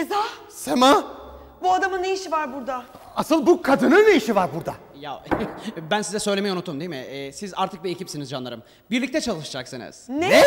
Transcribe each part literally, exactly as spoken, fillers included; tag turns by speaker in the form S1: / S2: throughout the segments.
S1: Feza!
S2: Sema!
S1: Bu adamın ne işi var burada?
S2: Asıl bu kadının ne işi var burada?
S3: Ya ben size söylemeyi unuttum değil mi? Ee, siz artık bir ekipsiniz canlarım. Birlikte çalışacaksınız.
S1: Ne?
S2: Ne?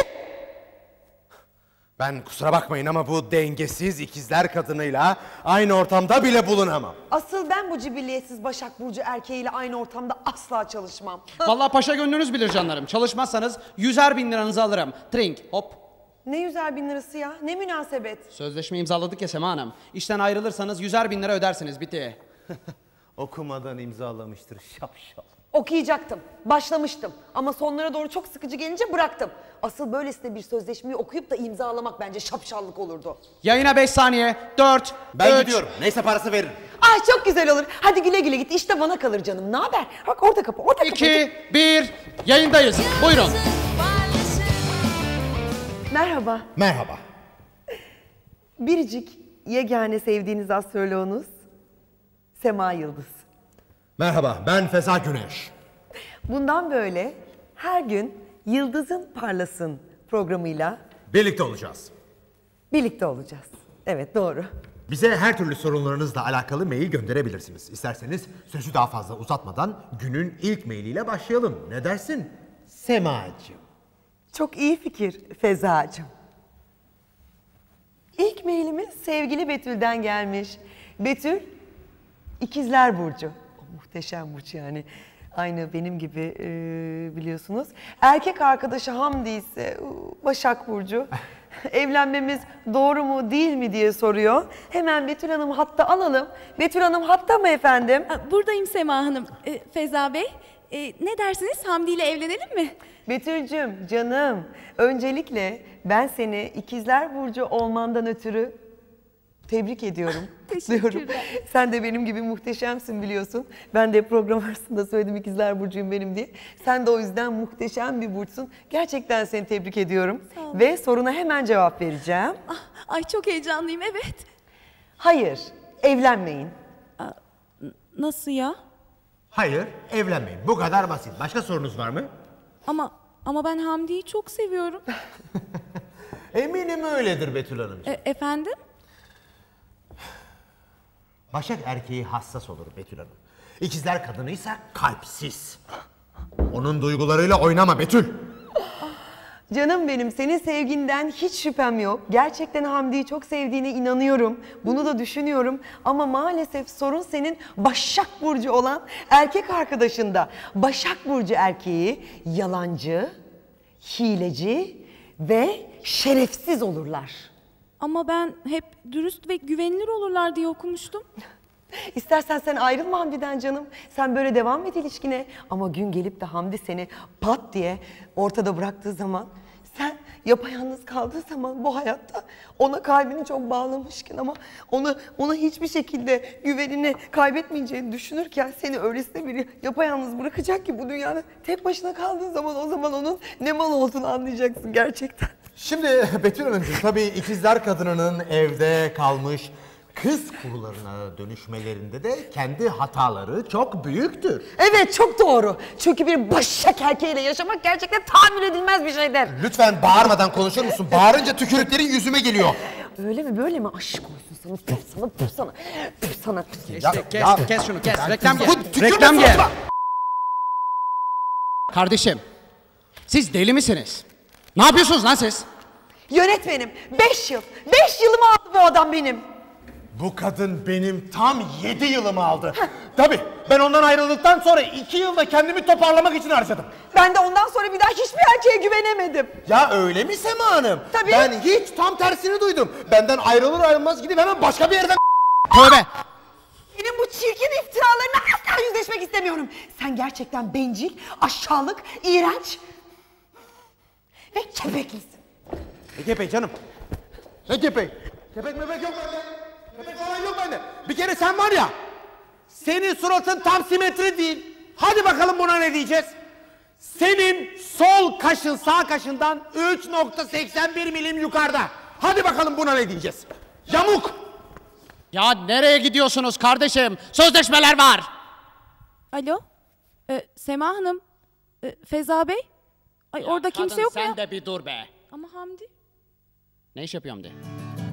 S2: Ben kusura bakmayın ama bu dengesiz ikizler kadınıyla aynı ortamda bile bulunamam.
S1: Asıl ben bu cibilliyetsiz Başak Burcu erkeğiyle aynı ortamda asla çalışmam.
S3: Vallahi paşa gönlünüz bilir canlarım. Çalışmazsanız yüzer bin liranızı alırım. Trink, hop.
S1: Ne yüzer bin lirası ya? Ne münasebet?
S3: Sözleşme imzaladık ya Sema Hanım. İşten ayrılırsanız yüzer bin lira ödersiniz. Bitti.
S2: Okumadan imzalamıştır şapşal.
S1: Okuyacaktım, başlamıştım ama sonlara doğru çok sıkıcı gelince bıraktım. Asıl böylesine bir sözleşmeyi okuyup da imzalamak bence şapşallık olurdu.
S3: Yayına beş saniye. dört,
S2: Ben
S3: üç.
S2: gidiyorum. Neyse parası veririm.
S1: Ay çok güzel olur. Hadi güle güle git. İşte bana kalır canım. Ne haber? Bak orada kapı, orada kapı.
S3: iki, bir. Yayındayız. Buyurun.
S1: Merhaba.
S2: Merhaba.
S1: Biricik, yegane sevdiğiniz astroloğunuz Sema Yıldız.
S2: Merhaba, ben Feza Güneş.
S1: Bundan böyle her gün Yıldız'ın Parlasın programıyla
S2: Birlikte olacağız.
S1: birlikte olacağız. Evet, doğru.
S2: Bize her türlü sorunlarınızla alakalı mail gönderebilirsiniz. İsterseniz sözü daha fazla uzatmadan günün ilk mailiyle başlayalım. Ne dersin Semacığım?
S1: Çok iyi fikir Fezacığım. İlk mailimiz sevgili Betül'den gelmiş. Betül, İkizler Burcu. O muhteşem burç yani. Aynı benim gibi e, biliyorsunuz. Erkek arkadaşı Hamdi ise Başak Burcu. Evlenmemiz doğru mu değil mi diye soruyor. Hemen Betül Hanım hatta alalım. Betül Hanım hatta mı efendim?
S4: Buradayım Sema Hanım. E, Feza Bey, e, ne dersiniz? Hamdi ile evlenelim mi?
S1: Betül'cüm canım, öncelikle ben seni İkizler Burcu olmandan ötürü tebrik ediyorum.
S4: Teşekkürler.
S1: Diyorum. Sen de benim gibi muhteşemsin biliyorsun. Ben de program arasında söyledim İkizler Burcu'yum benim diye. Sen de o yüzden muhteşem bir burçsun. Gerçekten seni tebrik ediyorum.
S4: Sağ olun.
S1: Ve soruna hemen cevap vereceğim.
S4: Ah, ay çok heyecanlıyım, evet.
S1: Hayır, evlenmeyin.
S4: Nasıl ya?
S2: Hayır, evlenmeyin. Bu kadar basit. Başka sorunuz var mı?
S4: Ama ama ben Hamdi'yi çok seviyorum.
S2: Eminim öyledir Betül Hanımcığım.
S4: E, efendim?
S2: Başak erkeği hassas olur Betül Hanım. İkizler kadınıysa kalpsiz. Onun duygularıyla oynama Betül.
S1: Canım benim, senin sevginden hiç şüphem yok. Gerçekten Hamdi'yi çok sevdiğine inanıyorum. Bunu da düşünüyorum. Ama maalesef sorun senin Başak Burcu olan erkek arkadaşında. Başak Burcu erkeği yalancı, hileci ve şerefsiz olurlar.
S4: Ama ben hep dürüst ve güvenilir olurlar diye okumuştum.
S1: İstersen sen ayrılma Hamdi'den canım. Sen böyle devam et ilişkine. Ama gün gelip de Hamdi seni pat diye ortada bıraktığı zaman, sen yapayalnız kaldığı zaman bu hayatta ona kalbini çok bağlamışken ama ona ona hiçbir şekilde güvenini kaybetmeyeceğini düşünürken seni öylesine biri yapayalnız bırakacak ki bu dünyada tek başına kaldığın zaman o zaman onun ne mal olduğunu anlayacaksın gerçekten.
S2: Şimdi Betül Hanımcığım tabii ikizler kadınının evde kalmış kız kurularına dönüşmelerinde de kendi hataları çok büyüktür.
S1: Evet, çok doğru. Çünkü bir Başak erkeğiyle yaşamak gerçekten tahammül edilmez bir şeydir.
S2: Lütfen bağırmadan konuşur musun? Bağırınca tükürüklerin yüzüme geliyor.
S1: Öyle mi böyle mi? Aşk olsun sana. Püf sana, püf sana. Püf sana. Püf.
S3: Kes, kes, kes şunu kes. Reklam gel.
S2: Bu tükürme
S3: Reklam gel.
S2: sırasında-
S3: Kardeşim, siz deli misiniz? Ne yapıyorsunuz lan siz?
S1: Yönetmenim, beş yıl. Beş yılımı aldı bu adam benim.
S2: Bu kadın benim tam yedi yılımı aldı. Tabii ben ondan ayrıldıktan sonra iki yılda kendimi toparlamak için harcadım.
S1: Ben de ondan sonra bir daha hiçbir erkeğe güvenemedim.
S2: Ya öyle mi Sema Hanım?
S1: Tabii.
S2: Ben hiç tam tersini duydum. Benden ayrılır ayrılmaz gidip hemen başka bir yerden...
S3: Tövbe.
S1: Benim bu çirkin iftiralarına asla yüzleşmek istemiyorum. Sen gerçekten bencil, aşağılık, iğrenç ve kepeklisin.
S2: Ne kepek canım? Ne kepek? Kepek mepek yok bende. Kepek falan yok bende. Bir kere sen var ya, senin suratın tam simetri değil. Hadi bakalım buna ne diyeceğiz? Senin sol kaşın sağ kaşından üç nokta seksen bir milim yukarıda. Hadi bakalım buna ne diyeceğiz? Yamuk.
S3: Ya nereye gidiyorsunuz kardeşim? Sözleşmeler var.
S4: Alo? E, Sema Hanım? E, Feza Bey? Ay orada kimse yok mu ya?
S3: Sen de bir dur be.
S4: Ama Hamdi?
S3: Ne iş yapıyorum de.